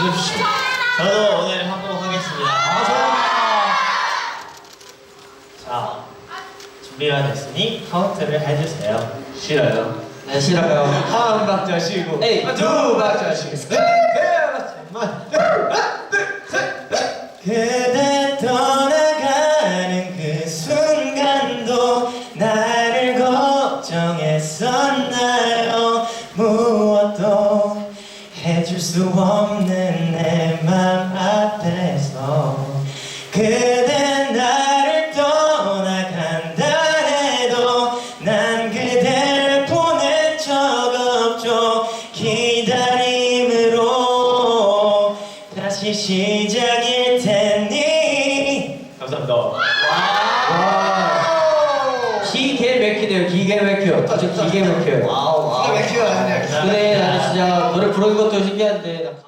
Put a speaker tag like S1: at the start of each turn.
S1: 해주십시오.
S2: 저도 오늘 하도록 하겠습니다. 자, 준비가 됐으니 카운트를 해주세요.
S1: 싫어요.
S3: 네, 싫어요.
S1: 한 박자 쉬고,
S3: 에이,
S1: 두 박자 쉬고, 세 박자만.
S2: 그대 떠나가는 그 순간도 나를 걱정했었나요? 무엇도 해줄 수 없는 내 맘 앞에서 그대 나를 떠나간다 해도 난 그댈 보낸 적 없죠. 기다림으로 다시 시작일 테니. 감사합니다.
S3: 기계 막히네요. 기계 막혀. 아주 기계 막혀요.
S1: 기가 막히게 하네.
S3: 근데 나는 진짜 노래 부르는 것도 신기한데.